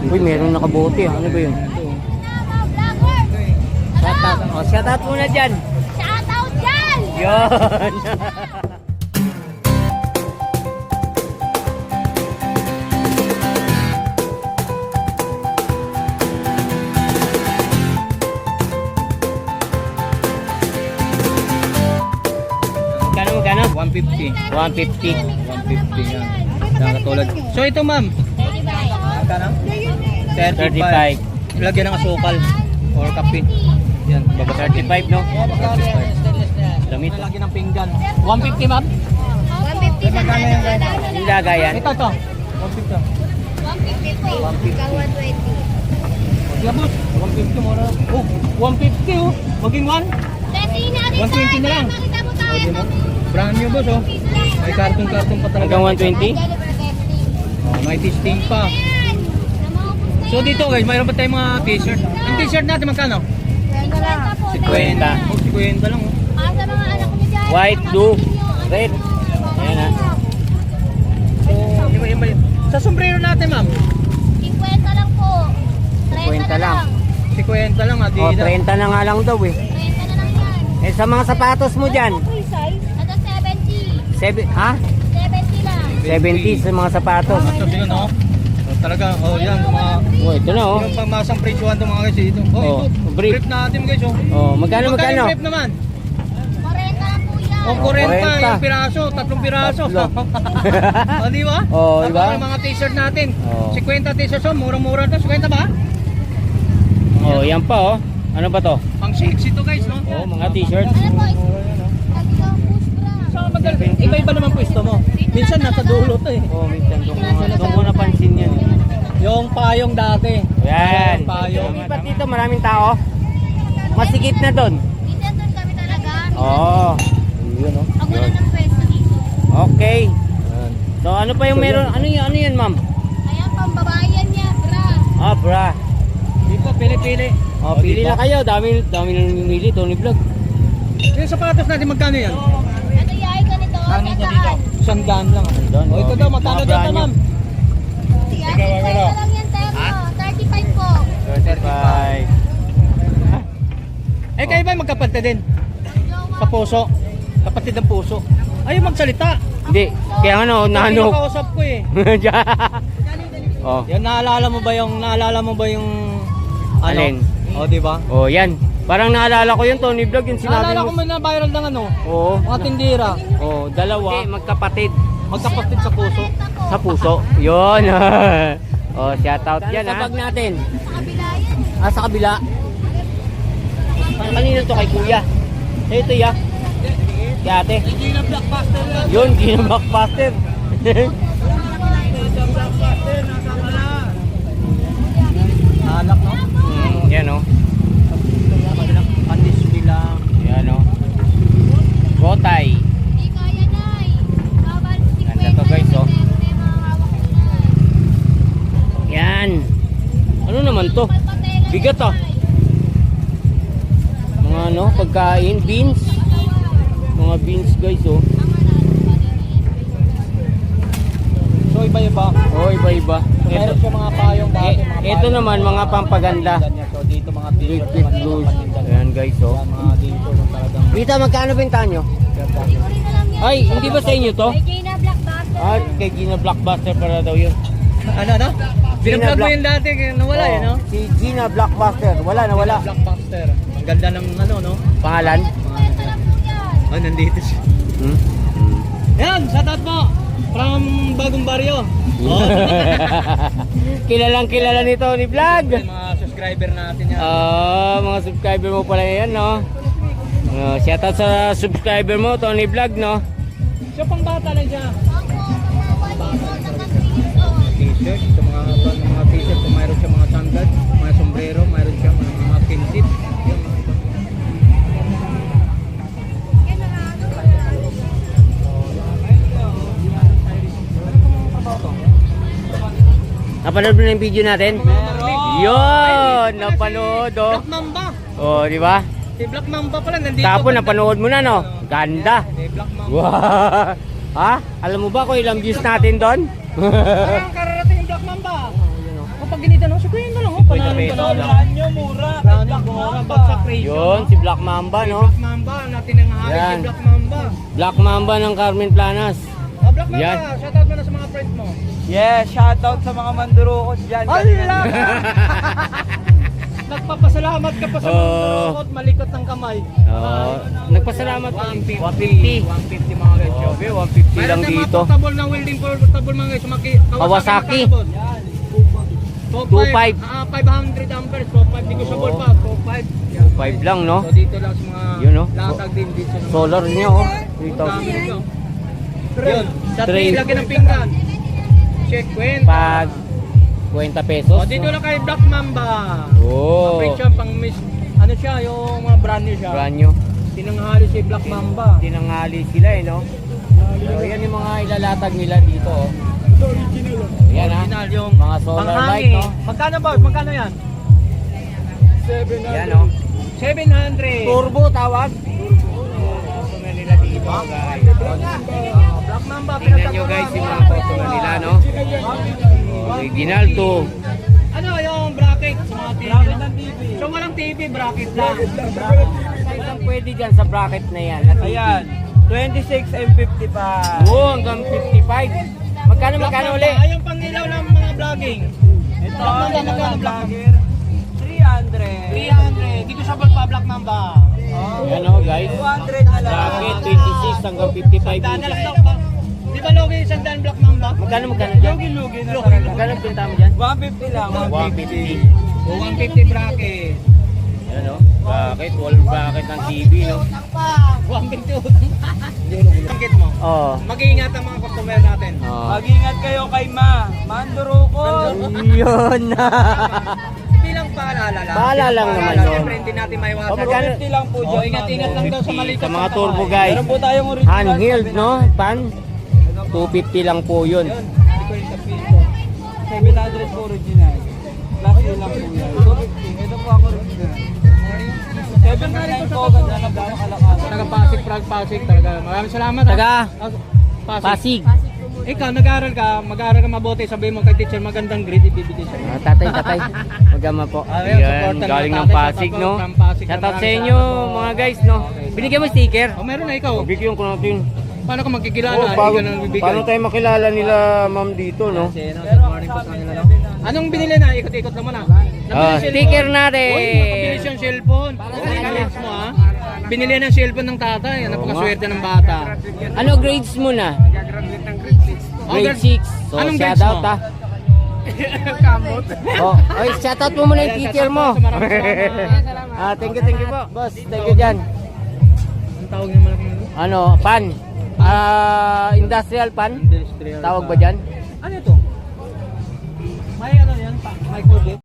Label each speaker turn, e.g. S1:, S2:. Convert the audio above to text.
S1: Uy, meron nakabote. Ano ba yun? Shoutout. Oh, shoutout muna dyan.
S2: Shoutout dyan!
S1: Yun. Magkano?
S3: 150.
S1: 150.
S3: 150 yan. Nakatulad. So ito ma'am.
S2: 35.
S3: Magkano?
S1: 35.
S3: Lagyan ng asukal or kape. Yan, baba
S1: 35, no?
S3: 35.
S1: Lamit.
S3: Lagyan ng pinggan. 150 ma'am?
S2: 150 sa
S3: Magkano yung ganyan?
S1: Yung lagayan.
S3: Ito. 150.
S2: 150 po.
S3: 150.
S2: Ikaw 120.
S3: Yeah, boss. 150 mo na. Oh, 150 oh. Maging 1. 120 na lang.
S2: Makita mo tayo.
S3: Diba? Brand new boss oh. May karton-karton pa talaga.
S1: Hanggang 120?
S3: Oh, may testing pa. So dito guys, mayroon pa tayong mga t-shirt. Ang t-shirt natin magkano?
S1: 50.
S3: 50. Oh, 50 lang oh.
S2: Sa mga anak mo dyan.
S1: White, blue, red. Ayan ha.
S3: So, iba. Sa sombrero natin ma'am.
S2: 50 lang po.
S1: 50 lang.
S3: 50 lang
S1: Oh,
S3: Adidas.
S1: 30 na nga lang daw eh.
S2: 30 na lang yan.
S1: Eh, sa mga sapatos mo dyan.
S2: Free size? Ito 70.
S1: Ha?
S2: 70 lang.
S1: 70 sa mga sapatos.
S3: So, yun oh. So, talaga, oh yan, mga...
S1: Oh, ito na oh.
S3: Yung pangmasang presyuhan itong mga guys dito. Oh,
S1: Oh,
S3: ito.
S1: brief.
S3: Brief natin guys oh.
S1: Oh, magkano?
S3: yung brief naman?
S2: 40 lang po yan.
S3: Oh, 40 yung piraso, 3 piraso.
S1: Tatlo.
S3: Oh, di ba?
S1: Oh, di ba?
S3: Tapos mga t-shirt natin.
S1: Oh.
S3: 50 t-shirt oh, murang-mura to. 50 ba?
S1: Oh, yan pa oh. Ano ba to?
S3: Pang sexy to guys, no?
S1: Oh, mga t-shirt.
S2: Ano po? Ito, push bra.
S3: So, iba-iba naman pwesto mo. Minsan nasa dulo to eh.
S1: Oh, minsan doon ko napansin yan.
S3: Yung payong dati.
S1: Yan.
S3: Yung payong.
S1: Lipat dito, maraming tao. Masikip na doon.
S2: Minsan doon kami talaga.
S1: Oh. Yun oh.
S2: Pag wala ng pwesto dito.
S1: Okay. So ano pa yung meron? Ano yan, ma'am?
S2: Ayan, pambabayan niya, bra.
S1: Ah, bra.
S3: Dito, pili-pili.
S1: Oh, pili na kayo. Dami na namimili, Tony Vlog.
S3: Yung sapatos natin, magkano yan?
S2: Ano yay, ganito?
S3: Sandaan lang.
S1: Sandaan,
S3: O, ito
S1: oh,
S3: daw, magkano
S1: mga
S3: daw
S1: brand
S3: ma'am?
S2: Yan, 50 lang yan, Temo. 35 po.
S1: 35.
S3: Eh, kayo ba magkapatid din? Sa puso? Kapatid ng puso? Ayaw magsalita.
S1: Hindi. Kaya ano, nano.
S3: Kausap ko eh.
S1: Oh.
S3: Yan, naalala mo ba yung
S1: Alin?
S3: O, di ba?
S1: Oh, yan. Parang naalala ko yung Tony Vlog, yung sinabi
S3: Naalala ko
S1: mo.
S3: may na-viral ng ano,
S1: Oo.
S3: mga tindira.
S1: Oh, dalawa. Magkapatid.
S3: Magkapatid sa puso.
S1: Sa puso. Yun. Oh, shout out yan ha. Sa bag natin.
S2: Sa kabila yan.
S1: Ah, sa kabila. Kanino to, kay kuya? Ito ya. Kay ate.
S3: Gina Blockbuster lang.
S1: Yun, Gina Blockbuster.
S3: Blockbuster, nasa pala. Anak no?
S1: Yan o.
S3: Pandis bilang.
S1: Yan o. Gotay.
S2: Hindi kaya, Nay. Bawal 50
S1: Ganda to, guys, oh.
S2: Meron na yung mga hawak ko, Nay.
S1: Yan. Ano naman to? Bigat ah. Mga ano, pagkain, beans. Mga beans guys oh.
S3: So iba-iba.
S1: Oh, iba-iba.
S3: So meron siya mga payong dati.
S1: Ito naman, mga pampaganda.
S3: So dito mga
S1: Big
S3: t-shirt.
S1: fit blues. Ayan guys oh.
S3: Yan, mga dito talagang.
S1: Rita, magkano benta nyo? Ay, hindi ba sa inyo to?
S2: Kay Gina Blockbuster.
S1: Ah, kay Gina Blockbuster para daw yun.
S3: Ano? Binablog mo
S1: Black-
S3: yun dati, kaya nawala
S1: Oh,
S3: eh, no?
S1: Si Gina Blockbuster. Wala na, wala.
S3: Blockbuster. Ang ganda ng ano, no?
S1: Pangalan?
S3: Oh, nandito siya.
S1: Hmm?
S3: Yan, shoutout mo. From Bagong Baryo. Oh.
S1: Kilalang kilala nito ni Vlog.
S3: Yung mga subscriber natin yan.
S1: Mga subscriber mo pala yan, no? Shoutout sa subscriber mo, Tony Vlog, no?
S3: So, pang bata lang siya. T-shirt, sa mga t-shirt, kung mayroon siya mga sandals, mga sombrero, mayroon siya mga kinsit. Yan, mga iba.
S1: Napanood mo na yung video natin?
S3: Meron!
S1: Yun! Napanood, oh.
S3: Black Mamba!
S1: Oh, di ba?
S3: Si Black Mamba pala, nandito.
S1: Tapos napanood mo na, no? Ganda!
S3: Si Black Mamba.
S1: Wow! Ha? Alam mo ba kung ilang views natin doon?
S3: Parang kararating yung Black Mamba. Kung pag ginita no, sabihin na lang oh,
S1: 50
S3: panalo
S1: pesos
S3: panalo.
S1: lang.
S4: Ranyo, mura.
S3: Brand new mura, bagsak ratio.
S1: Yun, si Black Mamba, no?
S3: Black Mamba, natin ang hari
S1: Yan.
S3: si Black Mamba.
S1: Black Mamba ng Carmen Planas.
S3: Oh, Black Mamba,
S1: Yan.
S3: shoutout mo na sa mga friends mo.
S4: Yes, shoutout sa mga mandurukot dyan.
S3: Allah! Nagpapasalamat ka pa sa mga
S1: Oh.
S3: turokot, malikot ng kamay.
S1: Nagpasalamat ka. 150.
S3: 150 mga guys.
S1: Grabe, 150 lang
S3: Mayroon tayong
S1: dito.
S3: mga portable na welding portable mga guys.
S1: Kawasaki.
S3: Yan.
S1: 2.5.
S3: 500 amperes. 2.5. Di ko sa ball pa. 2.5.
S1: 5 lang, no?
S3: So dito lang sa mga
S1: Yun, no?
S3: latag din dito. Sa mga
S1: Solar niya, oh.
S3: Ang dami
S1: 3,000.
S3: nito. Yun. Sa
S1: Tray.
S3: 3 lagi ng pinggan. Check kwenta.
S1: Pag 20 pesos.
S3: O dito lang kay Black Mamba.
S1: Oh.
S3: Break siya pang miss. Ano siya, yung mga brand new siya.
S1: Brand new.
S3: Tinanghali si Black Mamba.
S1: Tinangali sila, eh, no? So, yan yung mga ilalatag nila dito, oh. Yan, ha?
S3: Original yung
S1: Mga solar light,
S3: panghangin.
S1: no?
S3: Magkano ba? Magkano yan?
S1: Yan, oh.
S3: 700.
S1: Turbo tawag. Customer nila dito, guys.
S3: Black Mamba.
S1: Tingnan nyo, guys, yung mga customer nila, no? Original to.
S3: Ano yung bracket sa mga TV?
S4: Bracket ng TV.
S3: So walang TV, bracket lang.
S1: Size ang pwede dyan sa bracket na yan.
S4: Ayan, 26 M50 pa.
S1: Oo, hanggang 55. Magkano uli?
S3: Ay, yung pangilaw ng mga vlogging.
S4: Ito,
S3: Black Mamba,
S4: ito
S3: magkano
S4: ng
S3: Black Mamba?
S4: vlogger. 300.
S3: 300. Dito sa Balpa, Black Mamba.
S1: Yan, oh, guys.
S4: 200 na lang.
S1: Bracket 26 hanggang 55
S3: Sandaan na lang
S1: inches.
S3: daw pa. Di ba logi yung sandaan Black Mamba?
S1: Magkano dyan?
S4: Lugi na talaga.
S1: Magkano pinta mo dyan?
S4: 150 lang.
S1: 150.
S3: O 150 bracket.
S1: Yan, oh. Bracket, wall bracket ng TV, no?
S3: 150 utang. Banggit mo.
S1: Oo.
S3: Mag-iingat ang mga customer natin.
S1: Oh.
S4: Mag-ingat kayo kay Ma. Mandurukot.
S1: Yun.
S3: Hindi lang paalala lang.
S1: Paalala lang naman yun.
S3: Siyempre hindi natin maiwasan.
S1: Oh, magkano?
S4: 50 lang po
S3: Oh,
S4: dyan.
S3: ingat-ingat lang daw sa maliit.
S1: Sa mga turbo, guys.
S4: Meron po tayong original.
S1: Handheld, no? Pan? 250 lang po yun.
S3: Yun. Hindi ko yung sabihin ko.
S4: 700 po original. Plus yun lang po yan. 250. Ito po ako original. 700 po. Ganda na po nakalakad.
S3: Taga-Pasig, Pasig talaga. Maraming salamat. ha.
S1: Taga
S3: Pasig.
S1: Pasig.
S3: Ikaw, nag-aaral ka mabuti. Sabihin mo kay teacher, magandang grade ibibigay sa'yo.
S1: Tatay. Magama po.
S3: Ayun,
S1: Yan,
S3: supportan
S1: galing
S3: ng
S1: ng
S3: tatay,
S1: Pasig,
S3: shoutout
S1: no?
S3: from Pasig.
S1: Shoutout sa
S3: Maraming
S1: inyo,
S3: salamat po.
S1: mga guys, no? Binigyan mo sticker?
S3: O, meron na ikaw.
S1: Bigyan ko natin.
S3: Paano ka magkikilala?
S1: Oh,
S3: Hindi ka nang bibigay.
S1: paano tayo makilala nila, ma'am, dito, no?
S3: Good morning po sa kanila. No? Anong binili na? Ikot-ikot naman ha.
S1: Sticker natin.
S3: Uy, nakabilis yung cellphone. College mo ha. Binili ng cellphone ng tatay. Napakaswerte ng bata.
S1: Ano grades mo na? Grade 6. So,
S3: Anong
S1: shout
S3: grades
S1: out,
S3: mo?
S1: ha?
S3: Kamot.
S1: Oh, oy, shout out mo muna yung teacher mo. Thank you po, boss. Thank you dyan.
S3: Ang tawag niya malaki.
S1: Ano, pan? Industrial pan?
S3: Industrial.
S1: Tawag ba dyan?
S3: Ano ito? May ano yan? May code